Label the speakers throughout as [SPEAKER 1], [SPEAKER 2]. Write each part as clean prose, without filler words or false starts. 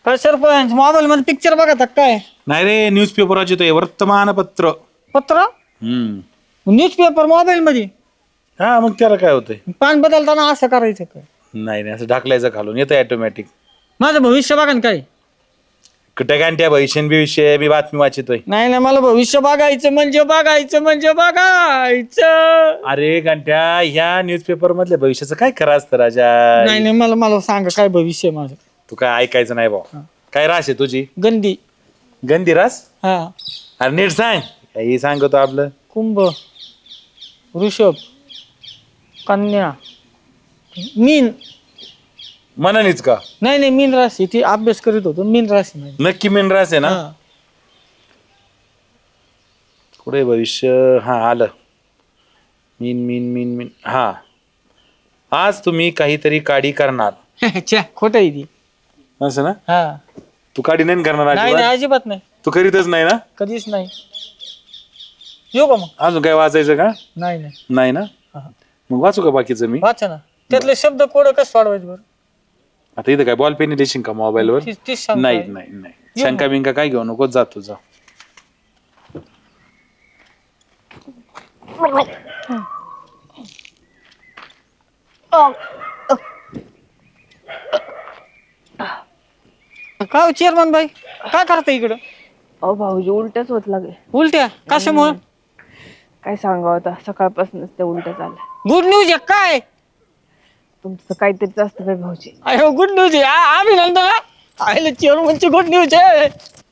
[SPEAKER 1] काय सरपंच मोबाईल मध्ये पिक्चर बघा काय?
[SPEAKER 2] नाही रे न्यूजपेपर वाचतोय वर्तमानपत्र.
[SPEAKER 1] पत्र? न्यूजपेपर मोबाईल मध्ये?
[SPEAKER 2] हा मग त्याला काय होतंय?
[SPEAKER 1] पान बदलताना असं करायचं काय?
[SPEAKER 2] नाही असं ढकलायचं खालून येतं ऑटोमॅटिक.
[SPEAKER 1] माझं भविष्य बघा ना काय?
[SPEAKER 2] कुठे गांठ्या भविष्य विषय मी बातमी वाचतोय.
[SPEAKER 1] नाही मला भविष्य बघायचं म्हणजे बघायचं.
[SPEAKER 2] अरे गांठ्या ह्या न्यूजपेपर मधल्या भविष्याचं काय खरं असतं राजा?
[SPEAKER 1] नाही मला सांगा काय भविष्य माझं.
[SPEAKER 2] तू काय ऐकायचं नाही भाऊ. काय रास आहे तुझी?
[SPEAKER 1] गंदी
[SPEAKER 2] रास?
[SPEAKER 1] हा.
[SPEAKER 2] अरे नीट सांग. काही सांगतो आपलं.
[SPEAKER 1] कुंभ, वृषभ, कन्या, मीन.
[SPEAKER 2] मनानीच का?
[SPEAKER 1] नाही मीन राशी. ती अभ्यास करीत होतो. मीन राशी नाही.
[SPEAKER 2] नक्की मीन रास आहे ना? पुढे भविष्य. हा आलं. मीन हा. आज तुम्ही काहीतरी काडी करणार.
[SPEAKER 1] खोट आहे ती.
[SPEAKER 2] असं ना?
[SPEAKER 1] हा.
[SPEAKER 2] तू काडी नाही करणार?
[SPEAKER 1] नाही अजिबात नाही.
[SPEAKER 2] तू करीतच नाही ना?
[SPEAKER 1] कधीच नाही. येऊ का मग?
[SPEAKER 2] अजून काय वाचायचं का? नाही ना? मग वाचू का बाकीचं मी?
[SPEAKER 1] वाचा ना. त्यातले शब्द कोड कसं सोडवायचं बरं?
[SPEAKER 2] आता इथं काय बॉल पेन देशील का मोबाईल वर? नाही शंका बिंका काय घेऊ नको. जा तुझा.
[SPEAKER 1] काय चेअरमन बाई काय करता इकडं?
[SPEAKER 3] अहो भाऊजी उलट्याच होत लागले.
[SPEAKER 1] उलट्या कशामुळे?
[SPEAKER 3] काय सांगावं आता, सकाळपासूनच त्या उलट्या झाल्या.
[SPEAKER 1] गुड न्यूज आहे काय?
[SPEAKER 3] तुमचं काहीतरीच असतं बाई भाऊजी.
[SPEAKER 1] अरे गुड न्यूज आहे. अभिनंदन. आयला चेअरमनची गुड न्यूज आहे.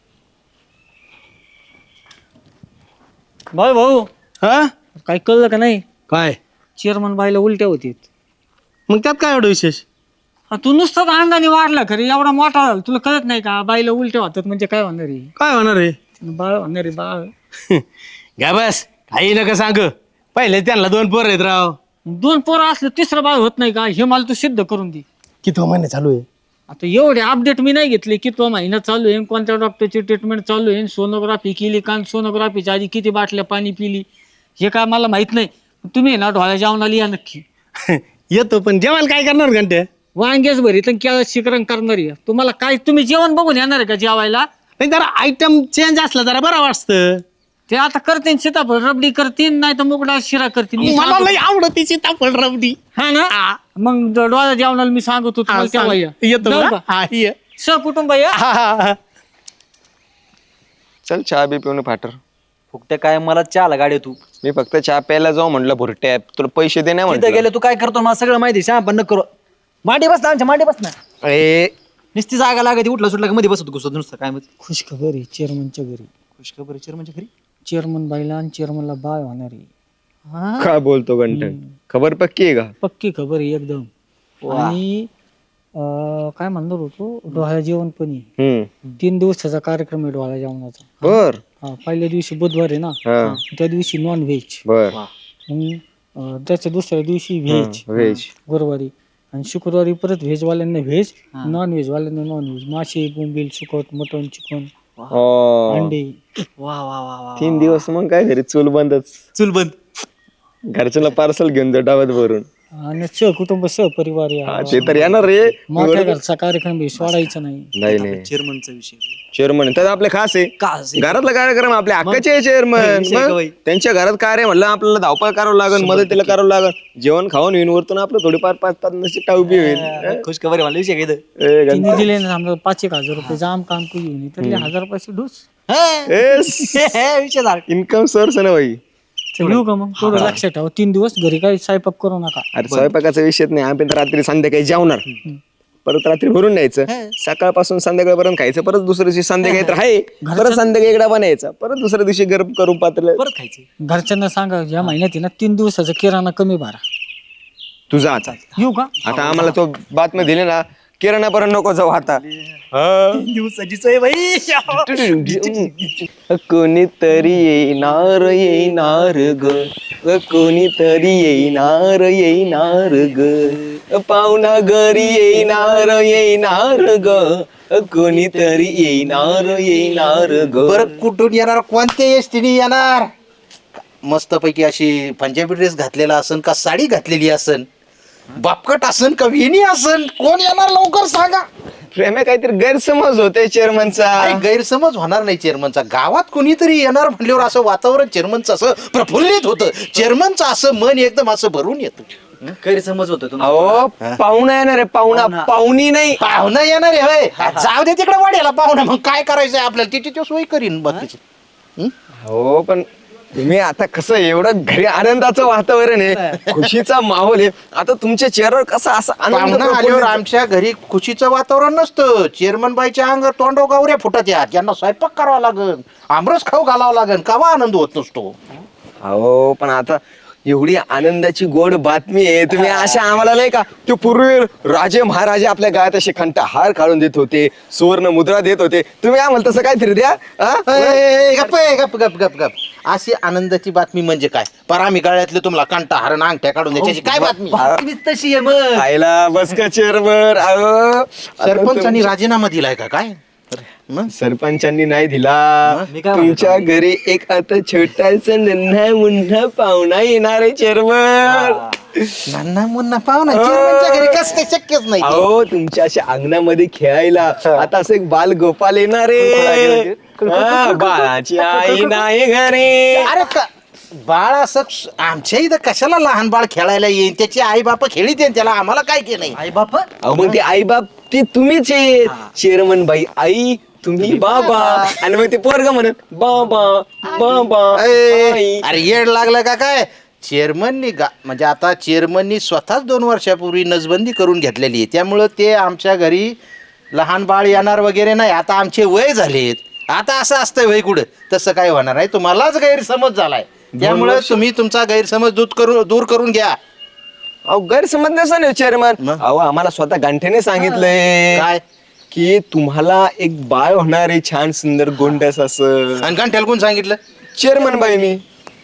[SPEAKER 1] भाऊ
[SPEAKER 4] हा
[SPEAKER 1] काय कळलं का नाही?
[SPEAKER 4] काय?
[SPEAKER 1] चेअरमन बाईला उलट्या होतीत.
[SPEAKER 4] मग त्यात काय एवढं विशेष?
[SPEAKER 1] तू नुसतं अंगाने वाढला खरी एवढा मोठा झाला तुला कळत नाही का? बाईला उलट्या होतात म्हणजे काय होणार आहे?
[SPEAKER 4] काय होणार आहे?
[SPEAKER 1] बाळ होणार आहे बाळ.
[SPEAKER 4] घ्या बस काही नका सांग. पहिले त्यांना 2 पोरं आहेत राव.
[SPEAKER 1] 2 पोरं असलं तिसरं बाळ होत नाही का? हे मला तू सिद्ध करून दे.
[SPEAKER 4] किती महिने चालू आहे?
[SPEAKER 1] आता एवढे अपडेट मी नाही घेतले. कितवा महिना चालू आहे, कोणत्या डॉक्टरची ट्रीटमेंट चालू आहे, सोनोग्राफी केली का, सोनोग्राफीच्या आधी किती बाटल्या पाणी पिली हे काय मला माहित नाही. तुम्ही ना ढोळ्या जेवणाला या नक्की.
[SPEAKER 4] येतो पण जेवायला काय करणार घंटे?
[SPEAKER 1] वांग्याच भरीत केळं शिकरण करणार आहे. तुम्हाला काय तुम्ही जेवण बघून येणार आहे का जेवायला?
[SPEAKER 4] नाही जरा आयटम चेंज असला जरा बरं वाटतं.
[SPEAKER 1] ते आता करतील सीताफळ रबडी करतील नाही तर मुगडा शिरा करतील.
[SPEAKER 4] मला लई आवडती सीताफळ रबडी.
[SPEAKER 1] हा ना? मग डोळ्या जेवणाला मी सांगतो तुम्हाला तेव्हा या.
[SPEAKER 4] येतो
[SPEAKER 1] जाऊ
[SPEAKER 4] का? हा ये.
[SPEAKER 1] सहकुटुंब या.
[SPEAKER 5] चल चहा बी पिऊन फाटर.
[SPEAKER 6] फुकटे काय मला चहाला गाडी तू.
[SPEAKER 5] मी फक्त चहा प्यायला जाऊ म्हणलं भुरट्या तुला पैसे दे नाही
[SPEAKER 6] तिथं
[SPEAKER 5] म्हणलं.
[SPEAKER 6] गेले तू काय करतो मला सगळं माहिती. श्याम पण नको करू. मांडी बस ना आमच्या मांडी बस ना.
[SPEAKER 5] ए
[SPEAKER 6] नुसती जागा लागायची उठला सुटला मध्ये बसत घुसत नुसतं काय माहिती.
[SPEAKER 1] खुशखबर आहे चेअरमनच्या घरी.
[SPEAKER 6] खुशखबर चेअरमनच्या घरी.
[SPEAKER 1] चेअरमन बाईला आणि चेअरमनला बाळ होणार आहे.
[SPEAKER 5] काय बोलतो गंठन? खबर पक्की आहे का?
[SPEAKER 1] पक्की खबर आहे एकदम. आणि काय म्हणणार होतो डोहाळ्या जेवण पण आहे. 3 दिवसाचा कार्यक्रम आहे डोहाळ्या जेवणाचा.
[SPEAKER 5] बर.
[SPEAKER 1] पहिल्या दिवशी बुधवार आहे ना, त्या दिवशी नॉन व्हेज.
[SPEAKER 5] बर.
[SPEAKER 1] मग त्याच्या दुसऱ्या दिवशी व्हेज गुरुवारी. आणि शुक्रवारी परत व्हेजवाल्यांना व्हेज, नॉन व्हेज वाल्यांना नॉन व्हेज. मासे, बोंबील, सुकट, मटण, चिकन, अंडे.
[SPEAKER 6] वा वा वा वा.
[SPEAKER 5] 3 दिवस मग काय घरी चूल बंदच.
[SPEAKER 6] चूल बंद.
[SPEAKER 5] घरच्याला पार्सल घेऊन जा डाब्यात भरून.
[SPEAKER 1] आणि सहकुटुंब सहपरिवार
[SPEAKER 5] हा, ते तर येणार रे.
[SPEAKER 1] मोठ्या घरचा कार्यक्रम आहे, सोडायचा नाही.
[SPEAKER 5] नाही
[SPEAKER 6] चेअरमनचा विषय.
[SPEAKER 5] चेअरमन तर आपले खास आहे. घरातला कार्यक्रम आपल्या हक्काचे चेअरमन. त्यांच्या घरात कार्य म्हणलं आपल्याला धावपळ करावं लागेल, मदतीला करावं लागेल. जेवण खाऊन येऊन वरतून आपलं थोडीफार 5-5 टाऊबी होईल.
[SPEAKER 6] खुशखबर मला विषय काय.
[SPEAKER 1] तिने दिले ना समजा 5,000 रुपये जाम काम तू घेऊन तर 1,000 पैसे ढोस.
[SPEAKER 6] विषय झाला.
[SPEAKER 5] इन्कम सोर्स आहे ना भाई.
[SPEAKER 1] येऊ का मग? थोडं लक्षात ठेवा. 3 दिवस घरी काही स्वयंपाक करू नका.
[SPEAKER 5] अरे स्वयंपाकाचा विषय नाही. आम्ही तर रात्री संध्याकाळी जेवणार, परत रात्री भरून न्यायचं, सकाळपासून संध्याकाळपर्यंत खायचं, परत दुसऱ्या दिवशी संध्याकाळी तर आहे, परत संध्याकाळी एकदा बनायचा, परत दुसऱ्या दिवशी गरम करून पातळ
[SPEAKER 6] परत खायचं.
[SPEAKER 1] घरच्यांना सांगा या महिन्यात आहे ना 3 दिवसाचा किराणा कमी भरा.
[SPEAKER 5] तुझा आता
[SPEAKER 1] येऊ का?
[SPEAKER 5] आता आम्हाला तो बातमी दिली ना, किराणा पर्यंत नको जाऊ आता.
[SPEAKER 6] दिवसाची सोय बाई.
[SPEAKER 5] कोणीतरी येणार ग, कोणीतरी येणार ग, पाहुणा घरी येणार ग, कोणीतरी येणार ग.
[SPEAKER 7] बरं कुठून येणार? कोणत्या एसटीने येणार? मस्तपैकी अशी पंजाबी ड्रेस घातलेला असन का साडी घातलेली असन, बापकट असन का वेणी असन? कोण येणार लवकर सांगा.
[SPEAKER 5] प्रेम काहीतरी गैरसमज होते चेअरमनचा.
[SPEAKER 7] अरे गैरसमज होणार नाही चेअरमनचा. गावात कोणीतरी येणार म्हणल्यावर असं वातावरण चेअरमनचं असं प्रफुल्लित होतं. चेअरमनचं असं मन एकदम असं भरून येतं.
[SPEAKER 6] गैरसमज होतो तुम्ही.
[SPEAKER 5] अहो पाहुणा येणार आहे, पाहुणा, पाहुणी नाही.
[SPEAKER 7] पाहुणा येणार आहे होय. जाऊ दे तिकडे वाड्याला पाहुणा, मग काय करायचंय आपल्याला तिची तो सोय करीन बाकीची.
[SPEAKER 5] हो पण तुम्ही आता कसं एवढं घरी आनंदाचं वातावरण आहे, खुशीचा माहोल आहे, आता तुमच्या चेहऱ्यावर कसा असा आनंद
[SPEAKER 7] पाहुणा आल्यावर
[SPEAKER 5] प्रफुल्लित-
[SPEAKER 7] आमच्या घरी खुशीचं वातावरण नसतं. चेअरमन बाईच्या अंगावर तोंडो गावऱ्या फुटत यात. यांना स्वयंपाक करावा लागन, आमरस खाऊ घालावा लागन, कावा आनंद होत नसतो.
[SPEAKER 5] हो पण आता एवढी आनंदाची गोड बातमी आहे, तुम्ही अशा आम्हाला नाही का ते पूर्वी राजे महाराजे आपल्या गावात असे कंठहार काढून देत होते, सुवर्ण मुद्रा देत होते, तुम्ही आम्हाला तसं काहीतरी द्या.
[SPEAKER 7] गप गप गप गप गप. अशी आनंदाची बातमी म्हणजे काय? पर आम्ही गळ्यातले तुम्हाला कंटा हरण अंगठ्या काढून द्यायची काय बातमी?
[SPEAKER 6] बातमीच तशी आहे मग.
[SPEAKER 5] आईला बस का चेअरमन.
[SPEAKER 7] सरपंचांनी राजीनामा दिलाय का काय? मग
[SPEAKER 5] सरपंचांनी नाही दिला.
[SPEAKER 6] मी काय
[SPEAKER 5] तुमच्या घरी एक आता छोटासा नन्हा मुन्हा पाहुणा येणार आहे चेअरमन.
[SPEAKER 7] नाना मुन्ना पाहुणा चेअरमनच्या घरी कसं काय शक्यच नाही ते.
[SPEAKER 5] अहो तुमच्या अशा अंगणामध्ये खेळायला आता असं एक बाल गोपाल येणार आहे. हा, बाळाची आई नाही घरी.
[SPEAKER 7] अरे बाळ असं आमच्या इथं कशाला लहान बाळ खेळायला येईन? त्याची आई बाप खेळीत येईन त्याला, आम्हाला काय केलं?
[SPEAKER 6] आई बाप
[SPEAKER 5] अहो मग ते आई बाप ते तुम्हीच आहे. चेअरमन बाई आई, तुम्ही बाबा, आणि मग ते पोरग म्हणत बाबा बाबा आई.
[SPEAKER 7] अरे येड लागलं का काय? चेअरमननी म्हणजे आता चेअरमननी स्वतःच 2 वर्षापूर्वी नसबंदी करून घेतलेली आहे, त्यामुळं ते आमच्या घरी लहान बाळ येणार वगैरे नाही. आता आमचे वय झालेत. आता असं असतंय वय कुठं? तसं काय होणार नाही. तुम्हालाच गैरसमज झालाय, त्यामुळे तुम्ही तुमचा गैरसमज दूर करून घ्या.
[SPEAKER 5] अहो गैरसमज नसा चेअरमन.
[SPEAKER 7] मग?
[SPEAKER 5] अहो आम्हाला स्वतः गांठ्याने सांगितलंय
[SPEAKER 7] काय?
[SPEAKER 5] की तुम्हाला एक बाळ होणार आहे, छान सुंदर गोंडस असं.
[SPEAKER 7] आणि गंठ्याला कोण सांगितलं?
[SPEAKER 5] चेअरमन बाई मी.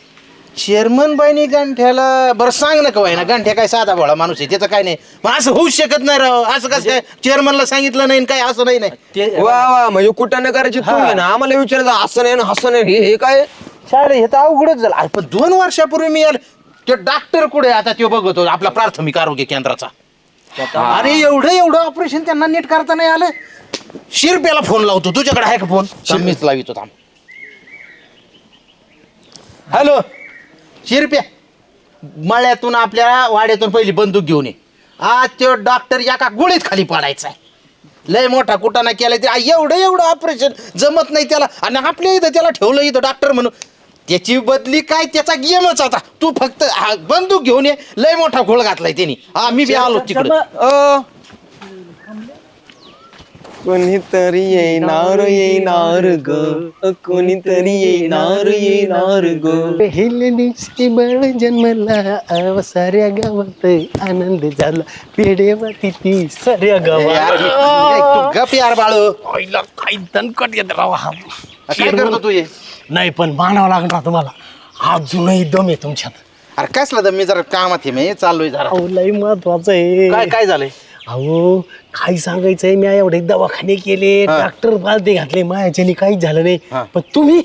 [SPEAKER 7] चेअरमन बाईनी गंठ्याला बरं सांग ना कवाय ना. गंठ्या काय साधा भोळा माणूस आहे, त्याचं काय नाही. पण असं होऊच शकत नाही राव. असं कसं काय चेअरमनला सांगितलं नाही काय? असं नाही नाही.
[SPEAKER 5] वा वा, म्हणजे कुठं न करायची तुम्ही ना आम्हाला विचारायचं असं नाही ना असं नाही, हे काय.
[SPEAKER 7] शाळे हे तर अवघडच झालं. अरे पण 2 वर्षापूर्वी मी आलो. तो डॉक्टर कुठे आता तो बघतो आपला प्राथमिक आरोग्य केंद्राचा. अरे एवढं ऑपरेशन त्यांना नीट करता नाही आलं. शिरप्याला फोन लावतो. तुझ्याकडे आहे का फोन? मीच लावितो थांब. हॅलो शिरप्या, मळ्यातून आपल्या वाड्यातून पहिली बंदूक घेऊन ये. आज तो डॉक्टर एका गोळीत खाली पडायचा आहे. लय मोठा कुटाणा केलाय ते. एवढं ऑपरेशन जमत नाही त्याला, आणि आपल्या इथं त्याला ठेवलं इथं डॉक्टर म्हणून. त्याची बदली काय? त्याचा गेमच आता. तू फक्त बंदूक घेऊन ये. लय मोठा घोळ घातलाय त्यांनी. मी बी आलो तिकडे.
[SPEAKER 5] कोणीतरी येणार ग, कोणीतरी येणार ग.
[SPEAKER 4] हिलनीची बळ जन्मला साऱ्या गावात आनंद झाला. पेडेवाती ती साऱ्या गावात.
[SPEAKER 7] गप यार बाळू.
[SPEAKER 4] काही दणकट येत राव.
[SPEAKER 7] काय करतो तू हे?
[SPEAKER 4] नाही पण मानावं लागणार तुम्हाला. अजूनही दम आहे तुमच्यात.
[SPEAKER 7] अरे कसला तर मी जरा कामात आहे. मी चाललोय जरा.
[SPEAKER 4] अहो लय महत्वाचं आहे.
[SPEAKER 7] काय झालंय?
[SPEAKER 4] अहो काय सांगायचंय, मी एवढे दवाखाने केले, डॉक्टर बालदे घातले, माझ्याने काहीच झालं नाही. पण तुम्ही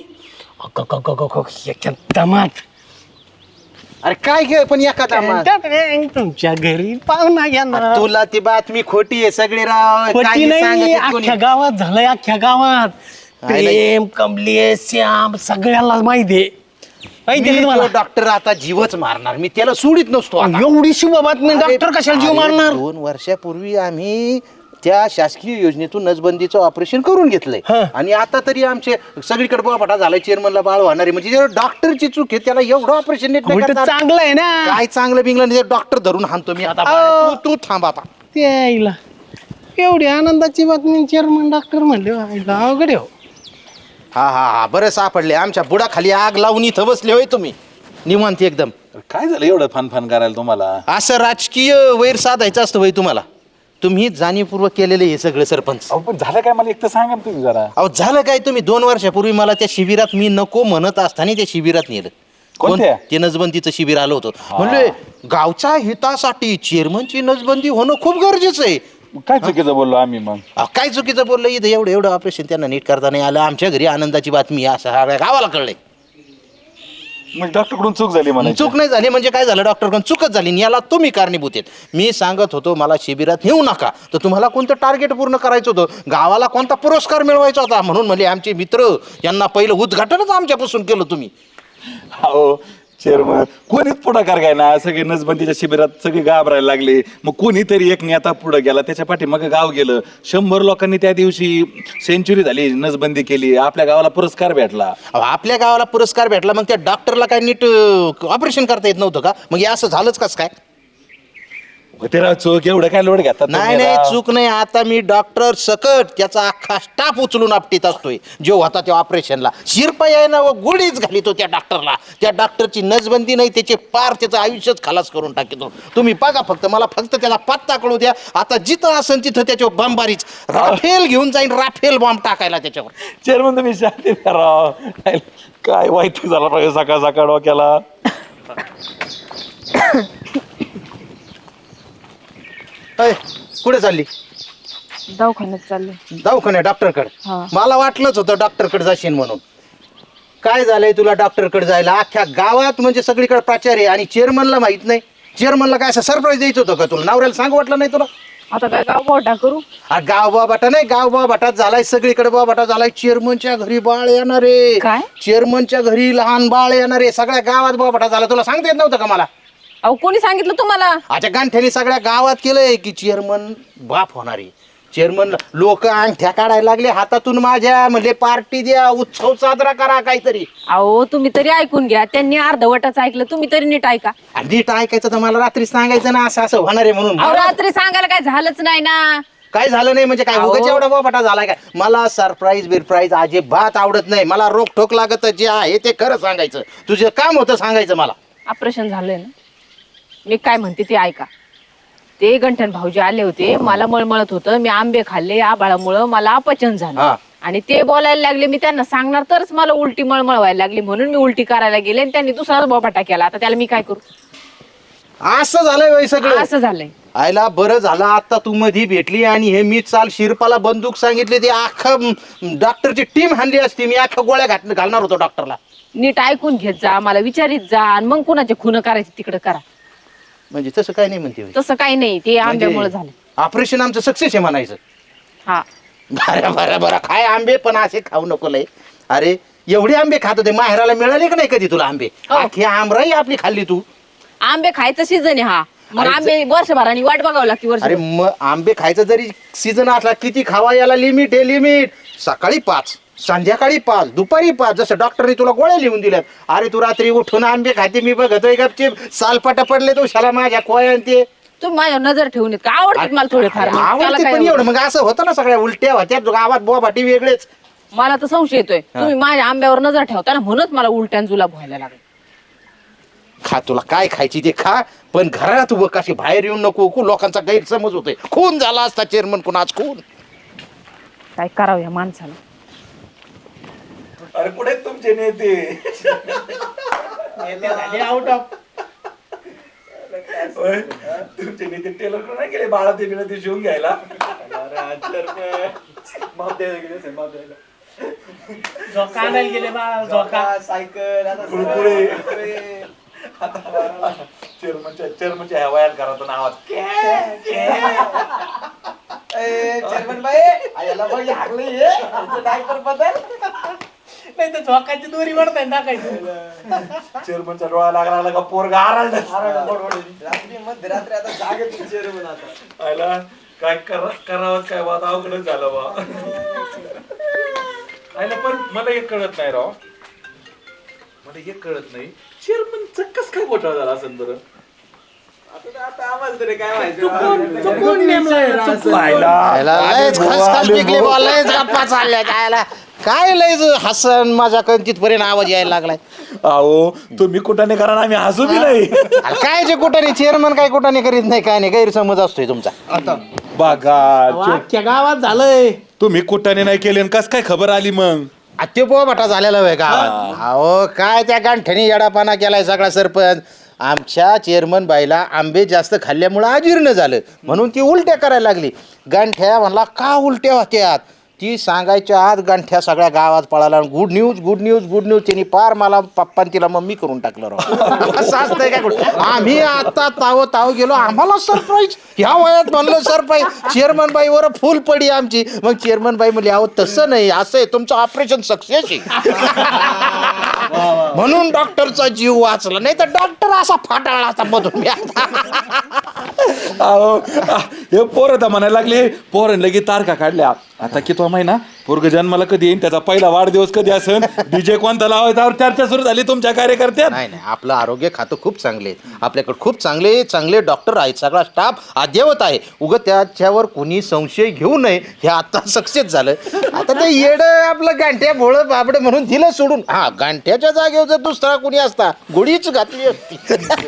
[SPEAKER 4] दमात.
[SPEAKER 7] अरे काय घे पण एका दामात.
[SPEAKER 4] तुमच्या घरी पाहुणा येणार.
[SPEAKER 7] तुला ती बातमी खोटी आहे सगळी राव.
[SPEAKER 4] पटी
[SPEAKER 7] काही
[SPEAKER 4] नाही,
[SPEAKER 7] सांगत कोणी.
[SPEAKER 4] अख्ख्या गावात झालंय. अख्ख्या गावात प्रेम, कमलेश, श्याम सगळ्याला माहिती आहे. माहिती आहे तुम्हाला?
[SPEAKER 7] डॉक्टर आता जीवच मारणार. मी त्याला सोडित नसतो आता.
[SPEAKER 4] एवढी शुभ बातमी, डॉक्टर कशाला जीव मारणार?
[SPEAKER 7] 2 वर्षापूर्वी आम्ही त्या शासकीय योजनेतून नसबंदीचं ऑपरेशन करून घेतलंय, आणि आता तरी आमचे सगळीकडे बोबाटा झालाय. चेअरमनला बाळ होणार आहे म्हणजे डॉक्टरची चूक आहे. त्याला एवढं ऑपरेशन नीट नाही करता आलं.
[SPEAKER 4] चांगलं आहे ना.
[SPEAKER 7] काय चांगलं बिंगलं नाही. डॉक्टर धरून हाणतो मी आता. तू थांब आता.
[SPEAKER 4] त्याला एवढी आनंदाची बातमी चेअरमन डॉक्टर म्हणले अवघड आहे हो.
[SPEAKER 7] हा बरं सापडले. आमच्या बुडाखाली आग लावून इथं बसले होय तुम्ही निवांत एकदम.
[SPEAKER 2] काय झालं एवढं फन करायला तुम्हाला?
[SPEAKER 7] असं राजकीय वैर साधायचं असतं होय तुम्हाला. तुम्ही जाणीवपूर्वक केलेलं हे सगळं सरपंच.
[SPEAKER 2] अहो पण झालं काय मला एक तर सांगा ना तुम्ही जरा.
[SPEAKER 7] अहो झालं काय? तुम्ही 2 वर्षापूर्वी मला त्या शिबिरात मी नको म्हणत असताना त्या शिबिरात नेलं.
[SPEAKER 2] कोणत्या?
[SPEAKER 7] ते नसबंदीचं शिबिर आलं होतं. म्हणले गावच्या हितासाठी चेअरमनची नसबंदी होणं खूप गरजेचं आहे.
[SPEAKER 2] काय चुकीचं बोललो आम्ही मग?
[SPEAKER 7] काय चुकीचं बोललं? इथं एवढं ऑपरेशन त्यांना नीट करता नाही आलं. आमच्या घरी आनंदाची बातमी असं गावाला कळलंय.
[SPEAKER 2] म्हणजे डॉक्टर कडून चूक झाली म्हणा.
[SPEAKER 7] चूक नाही झाली म्हणजे काय झालं, डॉक्टरकडून चूकच झाली आणि याला तुम्ही कारणीभूत आहेत. मी सांगत होतो मला शिबिरात नेऊ नका, तर तुम्हाला कोणतं टार्गेट पूर्ण करायचं होतं, गावाला कोणता पुरस्कार मिळवायचा होता, म्हणून म्हणजे आमचे मित्र यांना पहिलं उद्घाटनच आमच्यापासून केलं तुम्ही.
[SPEAKER 2] हो चेअरमन, कोणीच पुढाकार काय ना, सगळे नसबंदीच्या शिबिरात सगळे घाबरायला लागले. मग कोणीतरी एक नेता पुढे गेला, त्याच्या पाठी मग गाव गेलं. 100 लोकांनी त्या दिवशी सेंचुरी झाली, नसबंदी केली, आपल्या गावाला पुरस्कार भेटला.
[SPEAKER 7] आपल्या गावाला पुरस्कार भेटला, मग त्या डॉक्टरला काय नीट ऑपरेशन करता येत नव्हतं का? मग हे असं झालंच कसं काय?
[SPEAKER 2] तेरा चूक एवढं काय लोड घेतात
[SPEAKER 7] नाही
[SPEAKER 2] तुम्ही
[SPEAKER 7] नाही
[SPEAKER 2] राव?
[SPEAKER 7] चूक नाही. आता मी डॉक्टर सकट त्याचा अख्खा स्टाफ उचलून आपटीत असतोय जो होता त्या ऑपरेशनला. शिरपाई आहे ना, व गोळीच घालितो त्या डॉक्टरला. त्या डॉक्टरची नसबंदी नाही, त्याचे पार त्याचं आयुष्यच खलास करून टाकतो. तुम्ही बघा फक्त, मला फक्त त्याला पत्ता कळू द्या. आता जिथं असेल तिथं त्याच्यावर बॉम्बारीच राफेल घेऊन जाईन, राफेल बॉम्ब टाकायला त्याच्यावर.
[SPEAKER 2] चेअरमन तुम्ही शांती करा. काय वाईट झाला पाहिजे सकाळ सकाळ डोक्याला.
[SPEAKER 7] अय, कुठे चालली?
[SPEAKER 3] दवाखान्यात चालले.
[SPEAKER 7] दवाखान्यात डॉक्टरकडे?
[SPEAKER 3] हा.
[SPEAKER 7] मला वाटलंच होतं डॉक्टरकडे जाशील म्हणून. काय झालंय तुला डॉक्टरकडे जायला? अख्ख्या गावात म्हणजे सगळीकडे प्रचार आहे आणि चेअरमनला माहित नाही. चेअरमनला काय असं सरप्राईज द्यायचं होतं का तुला? नवऱ्याला सांगू वाटलं नाही तुला?
[SPEAKER 3] आता काय गाव मोठा करू?
[SPEAKER 7] हा गाव बाबाटा नाही, गाव बाबाटात झालाय, सगळीकडे बाबाटा झालाय. चेअरमनच्या घरी बाळ येणार आहे.
[SPEAKER 3] काय?
[SPEAKER 7] चेअरमनच्या घरी लहान बाळ येणार आहे. सगळ्या गावात बाबाटा झाला. तुला सांगता येत नव्हतं का मला?
[SPEAKER 3] अहो कोणी सांगितलं तुम्हाला?
[SPEAKER 7] आता गांठ्याने सगळ्या गावात केलंय की चेअरमन बाप होणार आहे. चेअरमन लोक अंगठ्या काढायला लागले हातातून माझ्या, म्हणजे पार्टी द्या, उत्सव साजरा करा काहीतरी.
[SPEAKER 3] अहो तुम्ही तरी ऐकून घ्या. त्यांनी अर्धवटच ऐकलं, तुम्ही तरी नीट ऐका.
[SPEAKER 7] आणि नीट ऐकायचं तर मला रात्री सांगायचं ना, असं असं होणार आहे म्हणून.
[SPEAKER 3] अहो रात्री सांगायला काय झालंच नाही ना.
[SPEAKER 7] काय झालं नाही म्हणजे काय?
[SPEAKER 3] अहो.
[SPEAKER 7] उगाच एवढा बाबाटा झालाय काय? मला सरप्राईज बिरप्राईज अजिबात आवडत नाही. मला रोखोक लागत, जे आहे ते खरं सांगायचं. तुझं काम होतं सांगायचं मला.
[SPEAKER 3] ऑपरेशन झालंय ना. मी काय म्हणते ते ऐका. ते गंठन भाऊजी आले होते, मला मळमळत होतं, मी आंबे खाल्ले, आबाळामुळं मला अपचन झालं.
[SPEAKER 7] हा.
[SPEAKER 3] आणि ते बोलायला लागले, मी त्यांना सांगणार तरच मला उलटी मळमळ व्हायला लागली, म्हणून मी उलटी करायला गेले आणि त्यांनी दुसराच बोबाटा केला. आता त्याला मी काय करू?
[SPEAKER 7] असं झालंय वय सगळं.
[SPEAKER 3] असं झालंय.
[SPEAKER 7] आयला बरं झालं आता तू मधी भेटली आणि हे मी चाल शिरपाला बंदूक सांगितली, ती अख्खं डॉक्टरची टीम हाणली असती. मी अख्खा गोळ्या घालणार होतो डॉक्टरला.
[SPEAKER 3] नीट ऐकून घेत जा, मला विचारित जा, आणि मग कुणाचे खून करायचे तिकडे करा.
[SPEAKER 7] म्हणजे तसं काय नाही म्हणते.
[SPEAKER 3] तसं काही नाही, ते आंब्यामुळे झालं.
[SPEAKER 7] ऑपरेशन आमचं सक्सेस आहे म्हणायचं.
[SPEAKER 3] हा.
[SPEAKER 7] बरं बरं बरं, काय आंबे पण असे खाऊ नको लय. अरे एवढे आंबे खात होते, माहेराला मिळाले का नाही कधी तुला आंबे?
[SPEAKER 3] हो.
[SPEAKER 7] अख्खी आमराई आपली खाल्ली तू.
[SPEAKER 3] आंबे खायचं सीझन आहे हा. मग
[SPEAKER 7] अरे
[SPEAKER 3] आंबे वर्षभराने वाट बघावं लागते. वर्ष
[SPEAKER 7] अरे मग आंबे खायचा जरी सीझन असला, किती खावा याला लिमिट आहे, लिमिट. सकाळी 5, संध्याकाळी 5, दुपारी 5, जसं डॉक्टरने तुला गोळ्या लिहून दिल्यात. अरे तू रात्री उठून आंबे खाते, मी बघतोय गपचीप सालपाटा पडले तो शाला माझ्या कोया ते.
[SPEAKER 3] तुम्ही माझ्यावर नजर ठेवून येत का? आवडतात मला थोडेफार. मग त्याला
[SPEAKER 7] आवडते
[SPEAKER 3] काय
[SPEAKER 7] पण
[SPEAKER 3] एवढं?
[SPEAKER 7] एवढं मग असं होतं ना, सगळ्या उलट्या होत्या गावात, बोबाटी वेगळेच.
[SPEAKER 3] मला तर संशय येतोय, तुम्ही माझ्या आंब्यावर नजर ठेवता ना, म्हणूनच मला उलट्यान जुलाब व्हायला लागला.
[SPEAKER 7] खा, तुला काय खायची ते खा, पण घरात उभं कशी बाहेर येऊन नको. लोकांचा गैरसमज होतोय. खून झाला असता चेअरमन, कोण आज खून.
[SPEAKER 3] काय करावं या माणसाला?
[SPEAKER 2] अरे कुठे आहेत तुमचे नेते? होय, तुमचे नेते टेलर नाही गेले बाळा ते बिळा ते शिवून घ्यायला? कुरकुरे. चेअरमनच्या ह्या वयात घरातून आवाज
[SPEAKER 6] चेअरमन बाई आयला बघ हागले डायपर बदल नाही तर झोकाची दोरी वरताय टाकायचं.
[SPEAKER 2] चेअरमनचा डोळा लागला का पोरगा आरडला.
[SPEAKER 6] रात्री मध्यरात्री आता जागेत चेअरमन आता
[SPEAKER 2] आयला काय करावं काय बात अवघडच झालं बा. आयला पण मला एक कळत नाही राव, मला एक कळत नाही चेअरमनचं कस काय घोटाळा झाला असेल बरं?
[SPEAKER 6] आता आम्हाला तरी काय माहिती.
[SPEAKER 7] लयच खसखस पिकली बा, लयच गप्पा चालल्या जायला. काय लयच हसन माझ्या तिथपर्यंत आवाज यायला लागलाय.
[SPEAKER 2] अहो तुम्ही कुठाने करा, आम्ही हसू बी नाही.
[SPEAKER 7] अरे काय जे कुठाने चेअरमन काय कुठाने करीत नाही, काय नाही, गैरसमज असतोय तुमचा.
[SPEAKER 2] बघा
[SPEAKER 4] गावात झालंय.
[SPEAKER 2] तुम्ही कुठाने नाही केले आणि कस काय खबर आली मग?
[SPEAKER 7] ते बोबाटा झालेला आहे का? अहो काय त्या गांठ्याने येडापाना केलाय सगळा सरपंच. आमच्या चेअरमन बाईला आंबे जास्त खाल्ल्यामुळं अजीर्ण झालं, म्हणून ती उलट्या करायला लागली. गांठ्या म्हणला का उलट्या होत्यात? ती सांगायच्या आत गंठ्या सगळ्या गावात पळाला good news good news good news. त्यांनी पार मला पप्पान तिला मम्मी करून टाकलं राव. असं असतंय काय कुठं? आम्ही आता ताव गेलो, आम्हाला सरप्राईज ह्या वयात म्हणलं सरप्राईज. चेअरमन बाईवर फुल पडी आमची. मग चेअरमन बाई म्हणली अहो तसं नाही, असं आहे तुमचं ऑपरेशन सक्सेस आहे. म्हणून डॉक्टरचा जीव वाचला, नाही तर डॉक्टर असा फाटाळा असा मधून मी
[SPEAKER 2] अहो, हे पोरं तर म्हणायला लागले पोरं लगे तारखा काढल्या. आता कितवा महिना पोरग जन्माला कधी येईन, त्याचा पहिला वाढदिवस कधी असेल, डीजे कोणता लावायचा चर्चा सुरू झाली तुमच्या कार्यकर्त्यात.
[SPEAKER 7] नाही आपलं आरोग्य खातं खूप चांगले आहे. आपल्याकडे खूप चांगले चांगले डॉक्टर आहेत, सगळा स्टाफ अद्ययावत आहे. उगं त्याच्यावर कोणी संशय घेऊ नये, हे आता सक्सेस झालं. आता ते येड आपलं गांठ्या भोळं बाबडे म्हणून दिलं सोडून. हा गांठ्याच्या जागेवर जर दुसरा कोणी असता गोळीच घातली असती.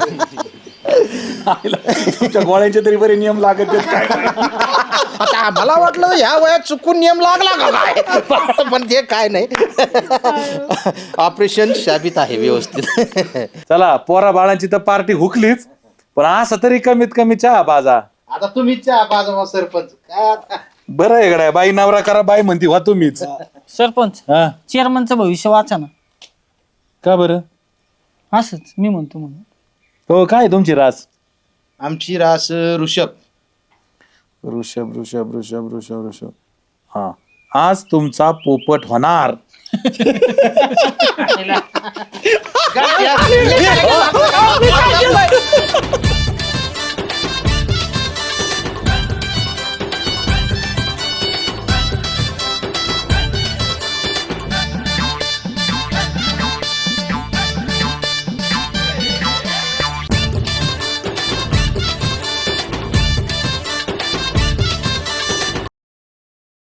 [SPEAKER 2] तुमच्या गोळ्यांचे तरी बरे नियम लागत आहेत काय.
[SPEAKER 7] आता आम्हाला वाटलं ह्या वयात चुकून नियम लागला का काय, पण ते काय नाही. ऑपरेशन शाबित आहे व्यवस्थित.
[SPEAKER 2] चला पोरा बाळांची तर पार्टी हुकलीच, पण असं तरी कमीत कमी चहा बाजा.
[SPEAKER 7] आता तुम्हीच चहा पाजा सरपंच. काय आता
[SPEAKER 2] बरं आहे गड्या, बाई नवरा करा बाई म्हणती वा तुम्हीच.
[SPEAKER 1] सरपंच
[SPEAKER 2] हा
[SPEAKER 1] चेअरमनचं भविष्य वाचा ना.
[SPEAKER 2] का बरं?
[SPEAKER 1] असंच मी म्हणतो म्हणून.
[SPEAKER 2] हो काय तुमची रास?
[SPEAKER 7] आमची रास ऋषभ.
[SPEAKER 2] ऋषभ ऋषभ ऋषभ ऋषभ ऋषभ. हा आज तुमचा पोपट होणार.
[SPEAKER 7] गांठ्या.